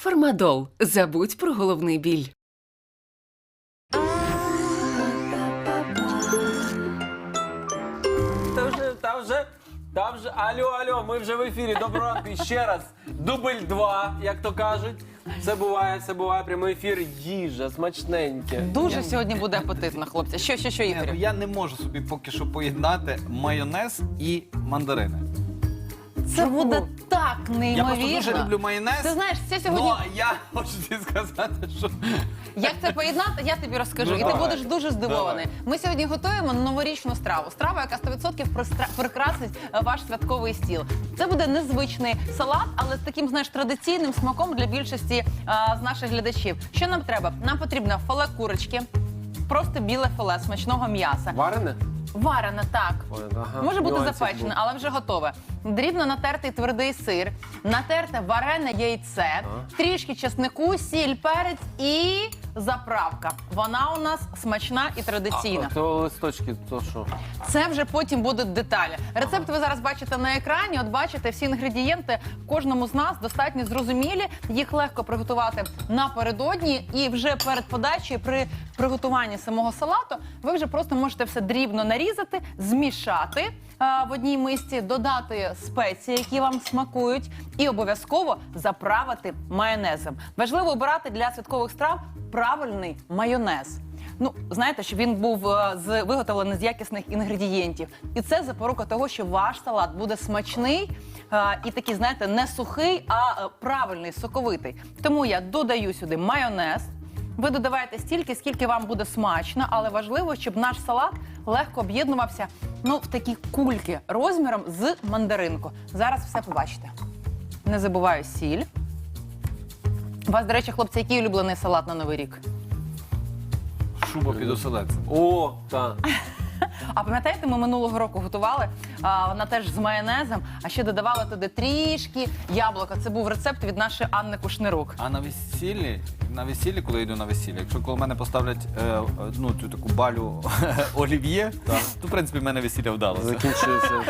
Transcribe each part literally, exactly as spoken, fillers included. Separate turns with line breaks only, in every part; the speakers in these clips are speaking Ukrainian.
Фармадол. Забудь про головний біль.
Та вже, та вже, та вже, алло, алло, ми вже в ефірі. Доброго ранку. І ще раз, дубль два, як то кажуть. Все буває, все буває, прямий ефір, їжа, смачненьке.
Дуже сьогодні буде апетитно, хлопці. Що, що, що,
Ні,
Ігорю?
ну, я не можу собі поки що поєднати майонез і мандарини.
Це буде так
Я
неймовірно.
просто дуже люблю майонез.
Ти знаєш, це сьогодні...
Ну, я хочу тобі сказати, що...
Як це поєднати, я тобі розкажу.
Ну,
і ти
давай.
будеш дуже здивований.
Давай.
Ми сьогодні готуємо новорічну страву. Страву, яка сто відсотків пристра- прикрасить е, ваш святковий стіл. Це буде незвичний салат, але з таким, знаєш, традиційним смаком для більшості е, з наших глядачів. Що нам треба? Нам потрібно філе курочки, просто біле філе смачного м'яса.
Варене?
Варене, так.
Ой, ага,
Може бути
нюансик
запечене,
був.
але вже готове. Дрібно натертий твердий сир, натерте варене яйце, трішки чеснику, сіль, перець і заправка. Вона у нас смачна і традиційна.
А, то листочки, то що?
Це вже потім будуть деталі. Рецепт ви зараз бачите на екрані. От бачите, всі інгредієнти кожному з нас достатньо зрозумілі. Їх легко приготувати напередодні. І вже перед подачею, при приготуванні самого салату, ви вже просто можете все дрібно нарізати, змішати а, в одній мисці, додати спеції, які вам смакують, і обов'язково заправити майонезом. Важливо обирати для святкових страв правильний майонез. Ну, знаєте, щоб він був е, з виготовлений з якісних інгредієнтів. І це запорука того, що ваш салат буде смачний е, і такий, знаєте, не сухий, а е, правильний, соковитий. Тому я додаю сюди майонез. Ви додаваєте стільки, скільки вам буде смачно, але важливо, щоб наш салат легко об'єднувався, ну, в такі кульки розміром з мандаринку. Зараз все побачите. Не забуваю сіль. У вас, до речі, хлопці, який улюблений салат на Новий рік?
Шуба під оселедцем.
О, так.
А пам'ятаєте, ми минулого року готували, а, вона теж з майонезом, а ще додавали туди трішки яблука. Це був рецепт від нашої Анни Кушнирук.
А на весіллі, на весіллі, коли я йду на весілля, якщо коло мене поставлять е, ну, цю таку балю олів'є, то, в принципі, в мене весілля вдалося.
Закінчується.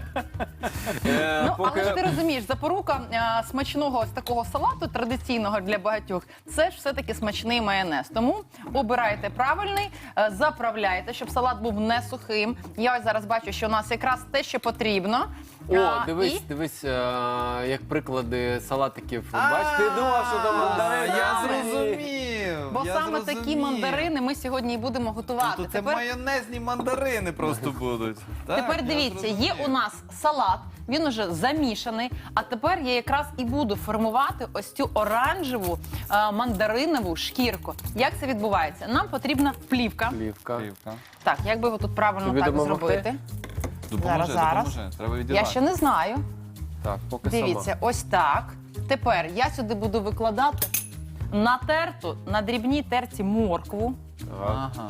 Е,
Ну,
поки-
але ж ти розумієш, запорука а, смачного ось такого салату, традиційного для багатьох, це ж все-таки смачний майонез. Тому обирайте правильний, е, заправляйте, щоб салат був не сухим. Я ось зараз бачу, що у нас якраз те, що потрібно.
О,
А,
дивись,
і-
дивись, е, як приклади салатиків. Бач, ти думав, що то мандарин.
Я зрозумів.
Бо
я
саме
зрозумів.
такі мандарини ми сьогодні і будемо готувати.
Тобто це
Тепер-
майонезні мандарини просто будуть. Так,
Тепер
я
дивіться, є
зрозумів.
у нас салат, він уже замішаний, а тепер я якраз і буду формувати ось цю оранжеву е, мандаринову шкірку. Як це відбувається? Нам потрібна плівка.
Плівка.
Плівка.
Так, як би його тут правильно
Тобі
так
допомогти?
зробити?
Допоможе,
Зараз,
допоможе. Треба
Я
відірвати.
ще не знаю.
Так, поки
Дивіться,
сама.
ось так. Тепер я сюди буду викладати натерту на дрібній терці моркву.
Так.
Ага.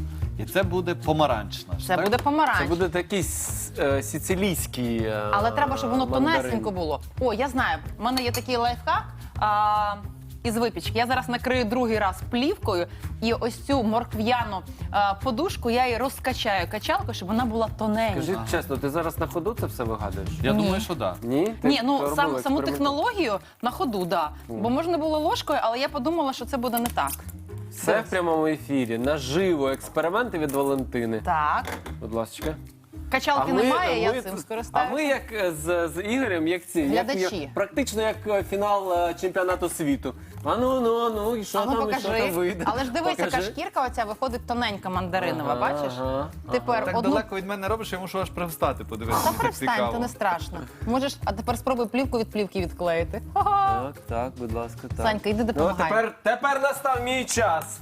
І це буде помаранчна. ж,
Це
так?
буде помаранч.
Це буде такий с- е, сицилійський е,
Але треба, щоб воно
мандарин.
тонесенько було. О, я знаю, в мене є такий лайфхак а, із випічки. Я зараз накрию другий раз плівкою, і ось цю моркв'яну а, подушку я її розкачаю качалкою, щоб вона була тоненька.
Скажи чесно, ти зараз на ходу це все вигадуєш?
Я
Ні.
думаю, що так.
Ні? Ти
Ні, ну
робила
сам, саму
експеримент?
технологію на ходу, да. Бо можна було ложкою, але я подумала, що це буде не так.
Все в прямому ефірі, наживо, експерименти від Валентини.
Так.
Будь ласка.
Качалки немає, я
ми
цим
тут-
скористаюся.
А ми як е, з, з Ігорем, як ці, як,
Глядачі.
як, практично як е, фінал е, чемпіонату світу. А ну, ну, ну, і що
А ну
там, і що там
покажи.
вийде?
Але ж дивись, яка
Покажи.
шкірка оця виходить тоненька мандаринова,
Ага,
бачиш?
ага,
Тепер
Так
одну...
далеко від мене робиш, я мушу аж привстати, подивитися.
Та
мені так
перестань,
цікаво.
то не страшно. Можеш, а тепер спробуй плівку від плівки відклеїти. Ага.
Так, так, будь ласка, так.
Санька, йди
Ну,
допомагай.
тепер, тепер настав мій час.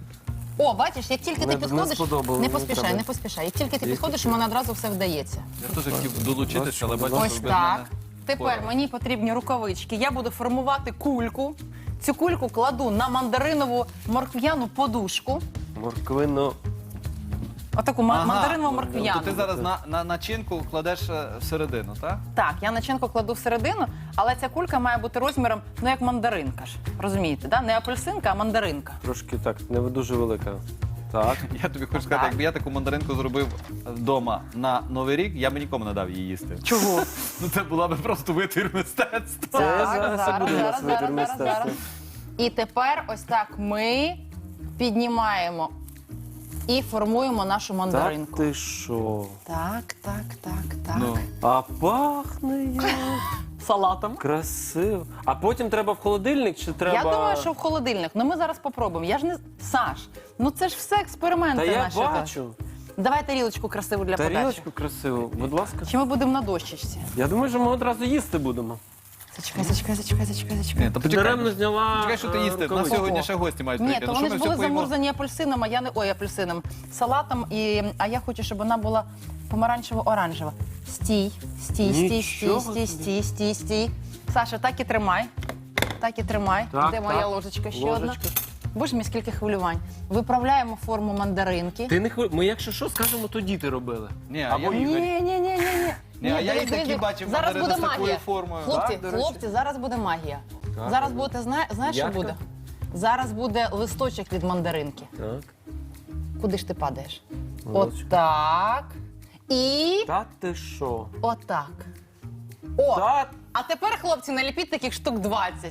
О, бачиш, як тільки ти
Не- не
підходиш,
сподобалось,
не
не
поспішай,
треба.
не поспішай. Як тільки ти підходиш, у мене одразу все вдається.
Я теж хотів долучитися, але бачу,
Ось
що без
так.
мене
Тепер
впорали.
мені потрібні рукавички. Я буду формувати кульку. Цю кульку кладу на мандаринову моркв'яну подушку.
Морквину.
Отаку ма-
Ага.
мандаринову
Тобто
моркв'яну.
ти зараз на, на начинку кладеш е, всередину, так?
Так, я начинку кладу всередину, але ця кулька має бути розміром, ну як мандаринка ж. Розумієте, да? Не апельсинка, а мандаринка.
Трошки так, не дуже велика. Так.
Я тобі хочу сказати, якби я таку мандаринку зробив вдома на Новий рік, я б нікому не дав її їсти.
Чого?
Ну це була б просто витвір мистецтва.
Це
Так,
зараз
зараз,
буде у нас
зараз,
витвір
зараз,
мистецтва.
зараз. І тепер ось так ми піднімаємо і формуємо нашу
Так
мандаринку.
ти що?
Так, так, так, так.
Ну.
А пахне як
Салатом.
красиво. А потім треба в холодильник чи треба...
Я думаю, що в холодильник. Ну ми зараз попробуємо. Я ж не Саш, ну це ж все експерименти
Та я
наші.
бачу.
Давай тарілочку красиву для подачі.
Тарілочку красиву, будь ласка.
Чи ми будемо на дощечці?
Я думаю, що ми одразу їсти будемо.
Зачекай, зачекай, зачекай, зачекай, зачекай.
Ні, то
Ти
почекай.
даремно зняла...
Чекай, що ти
е,
їсти. На
рукавички.
сьогодні ще гості мають
Ні,
приїхати.
то
Що
вони
ми
ж
все
були
поїмо?
замурзані апельсином, а я не ой, апельсином, салатом, і, а я хочу, щоб вона була помаранчево-оранжева. Стій, стій, стій, стій,
Нічого
стій, стій, стій, стій. Саша, так і тримай. Так і тримай.
Так,
Де моя
так.
ложечка? Ще
Ложечка.
одна. Боже мій, скільки хвилювань. Виправляємо форму мандаринки.
Ти не хвилю... Ми якщо що, скажемо, то діти робили.
Ні, а
Або
я-
Ігор.
Ні, ні, ні, ні, ні.
Ні, а я і такі бачив
Зараз
мандарини
буде
з такою
магія.
формою.
Хлопці,
Так, до речі.
хлопці, зараз буде магія.
Так,
Зараз
ну.
будете, зна... знаєш, що
Ягодка?
буде? Зараз буде листочок від мандаринки.
Так.
Куди ж ти падаєш?
Листочок.
Отак. І
Та ти що?
отак. О!
Та...
А тепер, хлопці, наліпіть таких штук двадцять.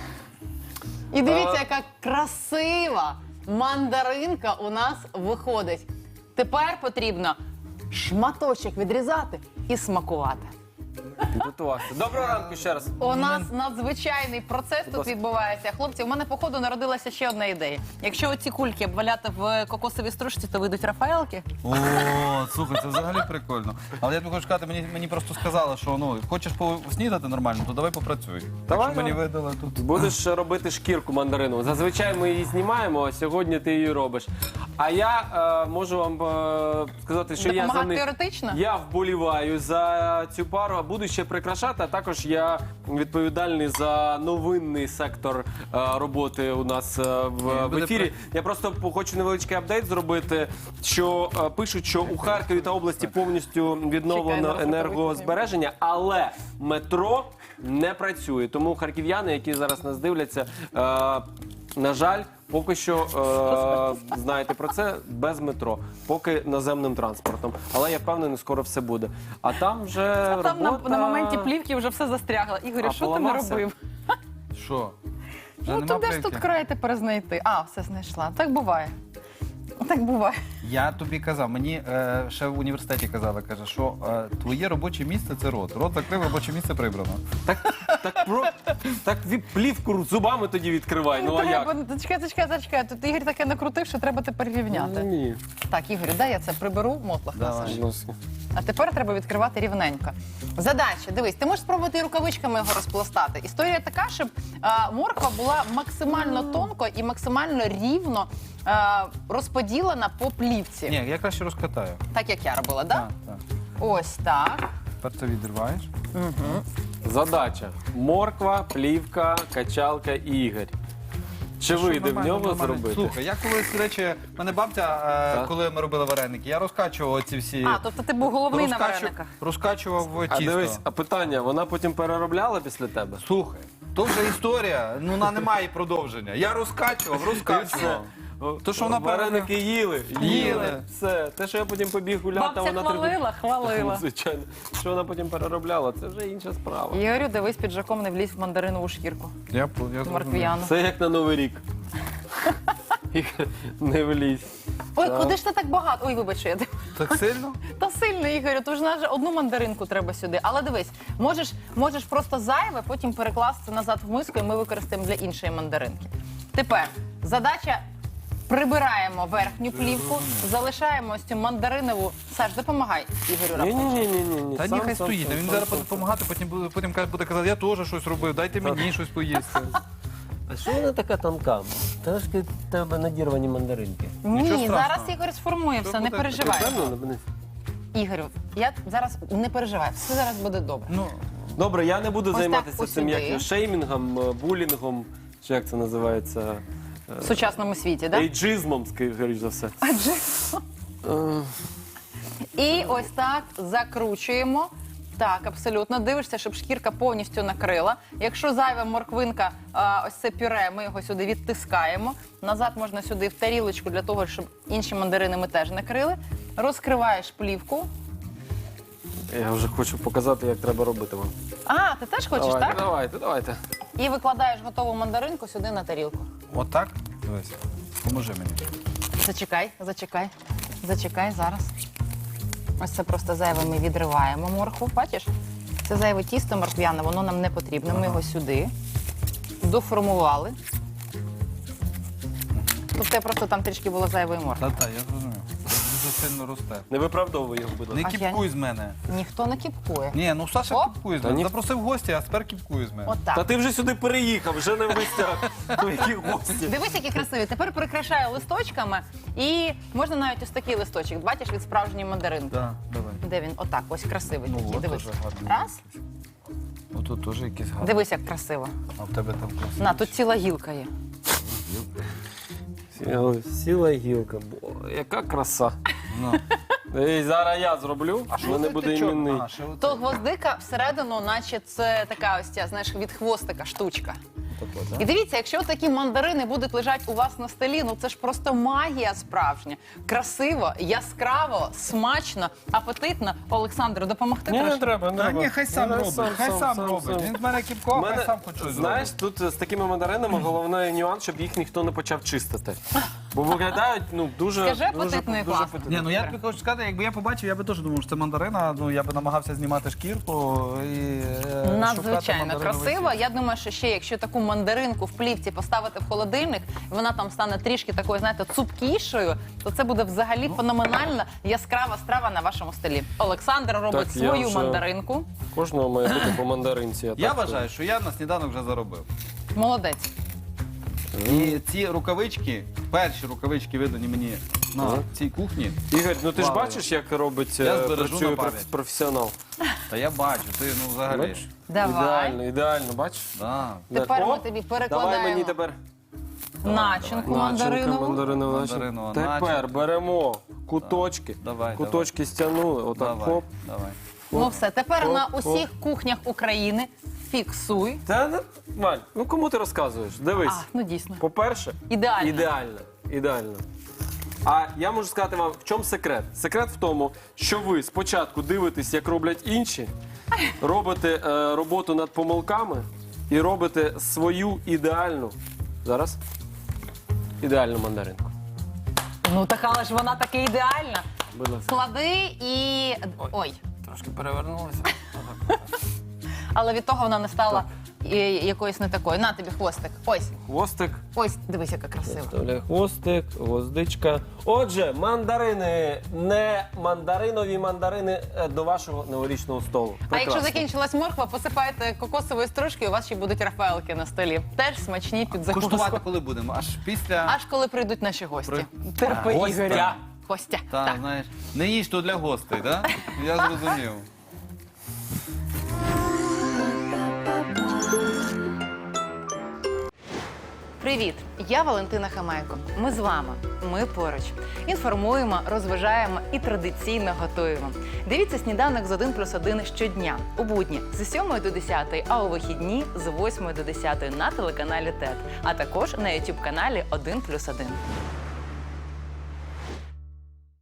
І дивіться,
А.
яка красива мандаринка у нас виходить. Тепер потрібно шматочок відрізати і смакувати.
Готувався. Доброго ранку ще раз.
У нас надзвичайний процес тут
ласка.
відбувається. Хлопці, у мене походу народилася ще одна ідея. Якщо оці кульки обваляти в кокосовій стружці, то вийдуть рафаелки.
О, слухай, це взагалі прикольно. Але я тобі хочу сказати, мені, мені просто сказали, що ну, хочеш поснідати нормально, то давай попрацюй. Так
Давай,
що мені
давай.
видали тут.
Будеш робити шкірку мандарину. Зазвичай ми її знімаємо, а сьогодні ти її робиш. А я е, можу вам е, сказати, що я за
Допомагати
них...
теоретично?
Я вболіваю за цю пару, а буду ще прикрашати. А також я відповідальний за новинний сектор е, роботи у нас е, в, в
буде
ефірі. Я просто хочу невеличкий апдейт зробити, що е, пишуть, що у Харкові та області повністю
Чекай,
відновлено
зараз
енергозбереження, але метро не працює. Тому харків'яни, які зараз нас дивляться, е, на жаль, поки що е, знаєте про це без метро, поки наземним транспортом. Але я впевнений, скоро все буде. А там вже
А там на,
робота...
на моменті плівки вже все застрягло. Ігорю,
А,
що ти не
поламався?
робив?
Що? Вже
Ну
нема
то де ж
плівки?
тут край тепер знайти? А, все знайшла. Так буває. Так буває.
Я тобі казав, мені е, ще в університеті казали, каже, що е, твоє робоче місце це рот. Рот закрив, робоче місце прибрано.
Так, так, про... так ві- плівку зубами тоді відкривай. Ну а
Треба,
як?
зачекай, зачекай, зачекай. Тут Ігор таке накрутив, що треба тепер рівняти.
Ні.
Так, Ігорю, дай я це приберу, мотлах
Давай.
насаш.
Ну,
А тепер треба відкривати рівненько. Задача, дивись, ти можеш спробувати і рукавичками його розпластати. Історія така, щоб а, морква була максимально тонко і максимально рівно а, розподілена по плівці.
Ні, я краще розкатаю.
Так як я робила, так?
Так, так.
Ось так.
Тепер це відриваєш.
Задача. Морква, плівка, качалка і Ігор. Чи
Що
вийде в
нормально,
нього
нормально.
зробити?
Слухай, я колись, до речі, в мене бабця, е,
Так.
коли ми робили вареники, я розкачував ці всі.
А, тобто ти був головний на
розкачу-
варениках.
Розкачував
А
тісто.
дивись, а питання, вона потім переробляла після тебе?
Слухай, то вже історія, ну вона не має продовження. Я розкачував, розкачував. То, що вона
Вареники їли, їли.
Їли.
Все. Те, що я потім побіг гуляти,
Бабця
вона
хвалила, хвалила.
Звичайно. Що вона потім переробляла, це вже інша справа.
Ігорю, дивись, піджаком не влізь в мандаринову шкірку.
Я, по- я зрозумів.
Морквяну.
Це як на Новий рік. Ігор, не влізь.
Ой,
Так.
куди ж ти так багато? Ой, вибач, що я
Так сильно?
Та сильно, Ігорю, то ж навіть одну мандаринку треба сюди. Але дивись, можеш, можеш просто зайве, потім перекласти назад в миску, і ми використаємо для іншої мандаринки. Тепер задача. Прибираємо верхню плівку, залишаємо ось цю мандаринову. Саш, допомагай Ігорю
Ні,
раптом.
ні, ні, ні, ні.
Та ні, хай стоїть. Він зараз буде допомагати, потім буде, потім каже- буде казати, я теж щось робив, дайте мені щось поїсти.
А що вона така тонка? Трошки в тебе надірвані мандаринки.
Ні,
Нічого страшного.
зараз Ігор сформує
Що
все, не
буде?
переживай.
Впевнена?
Ігорю, я зараз не переживай, все зараз буде добре.
Ну,
Добре, я не буду
Ось
займатися
так,
цим
ось
як
сюди.
його, шеймінгом, е, булінгом, чи як це називається?
В сучасному світі, так?
Ейджизмом, скоріш за все.
Адже
Е,
і ось так закручуємо Так, абсолютно. Дивишся, щоб шкірка повністю накрила. Якщо зайва морквинка, а, ось це пюре, ми його сюди відтискаємо. Назад можна сюди в тарілочку для того, щоб інші мандарини ми теж накрили. Розкриваєш плівку.
Я вже хочу показати, як треба робити вам.
А, ти теж хочеш,
давайте,
так?
давайте, давайте.
І викладаєш готову мандаринку сюди на тарілку.
Отак? Дивись. Поможи мені.
Зачекай, зачекай, зачекай зараз. Ось це просто зайве ми відриваємо моркву, бачиш? Це зайве тісто морквяне, воно нам не потрібно. Ми його сюди доформували. Тобто просто там трішки було зайвої моркви.
Та-та, я зрозумів. Дуже сильно росте.
Не виправдовуй його, будь
Не
ласка.
А я-
кіпкуй з мене.
Ніхто не кіпкує.
Ні, ну Саша
О.
кіпкує з
Та
мене.
ні.
Запросив гості, а тепер кіпкує з мене.
Отак.
Та ти вже сюди переїхав, вже не в гостях. Ну, які гості.
Дивись, які красиві. Тепер прикрашаю листочками. І можна навіть ось такий листочок. Бачиш, від справжньої мандаринки.
Так, давай.
Де він? Отак, ось красивий
Ну,
такий.
от
Дивись.
дуже гарно.
Раз.
Ну тут теж якісь гарні.
Дивись, як красиво.
А в тебе там красиво.
На, тут ціла гілка є.
Сіла, сіла гілка. Бо, яка краса.
Ну.
І зараз я зроблю, а що не буде іменний.
А, ще оце.
То гвоздика всередину, наче це така ось ця, знаєш, від хвостика штучка.
Тако, да?
І дивіться, якщо такі мандарини будуть лежати у вас на столі, ну це ж просто магія справжня. Красиво, яскраво, смачно, апетитно. Олександру, допомогти
Ні, не
трошки?
треба, не
Та
треба.
ні, хай сам
Ну,
робить, хай сам робить. Він з мене кіпкував, хай сам хоч щось
знаєш,
зробить.
тут з такими мандаринами головний нюанс, щоб їх ніхто не почав чистити. Бо виглядають, ну, дуже...
Скажи,
дуже,
апетитно і
дуже
класно.
апетитно.
Ні, ну я тобі хочу сказати, якби я побачив, я би теж думав, що це мандарина, ну я би намагався знімати шкірку і е, шукати
Надзвичайно
мандариновий
красиво.
сік.
Я думаю, що ще якщо таку мандаринку в плівці поставити в холодильник, і вона там стане трішки такою, знаєте, цупкішою, то це буде взагалі феноменальна яскрава страва на вашому столі. Олександр робить
Так, я
свою
вже-
мандаринку.
Кожного має бути по мандаринці.
Я
так
вважаю, що я на сніданок вже заробив.
Молодець.
І ці рукавички, перші рукавички видані мені на
Ага.
цій кухні.
Ігор, ну ти ж
Вау.
бачиш, як робить,
Я
е,
збережу
працює
на пам'ять.
проф- професіонал.
Та я бачу, ти ну взагалі.
Бачиш?
Давай.
Ідеально, ідеально, бачиш?
Да.
Тепер
О,
ми тобі перекладаємо
Давай мені тепер
начинку
начинку,
мандаринову.
мандаринову
Мандаринову
начинку. Тепер
начинку.
беремо куточки,
Давай,
куточки стягнули, отак
Давай,
хоп.
давай.
Ну все, тепер
Оп,
на
оп.
усіх кухнях України фіксуй.
Та, не- Валь, ну кому ти розказуєш? Дивись.
А, ну дійсно.
По-перше,
Ідеально.
ідеально. Ідеально. А я можу сказати вам, в чому секрет? Секрет в тому, що ви спочатку дивитесь, як роблять інші, робите е, роботу над помилками і робите свою ідеальну. Зараз. Ідеальну мандаринку.
Ну так, але ж вона таки ідеальна.
Будь ласка.
Склади і. Ой.
Трошки перевернулася.
Але від того вона не стала і- якоюсь не такою. На тобі хвостик. Ось.
Хвостик.
Ось, дивись, яка красива.
Вставляй хвостик, гвоздичка. Отже, мандарини, не мандаринові мандарини е, до вашого новорічного столу.
А якщо
Прекрасно.
закінчилась морква, посипайте кокосовою стружкою, у вас ще будуть рафаелки на столі. Теж смачні під закуску.
Куштувати коли будемо? Аж після.
Аж коли прийдуть наші гості.
При-
Терпи,
Гостя.
Ігоря. Гостя.
Та,
Так.
знаєш, не їж то для гостей, так? Я зрозумів.
Привіт! Я Валентина Хамайко. Ми з вами. Ми поруч. Інформуємо, розважаємо і традиційно готуємо. Дивіться сніданок з один плюс один щодня. У будні з сьомої до десятої, а у вихідні з восьмої до десятої на телеканалі ТЕТ, а також на ютуб каналі один плюс один.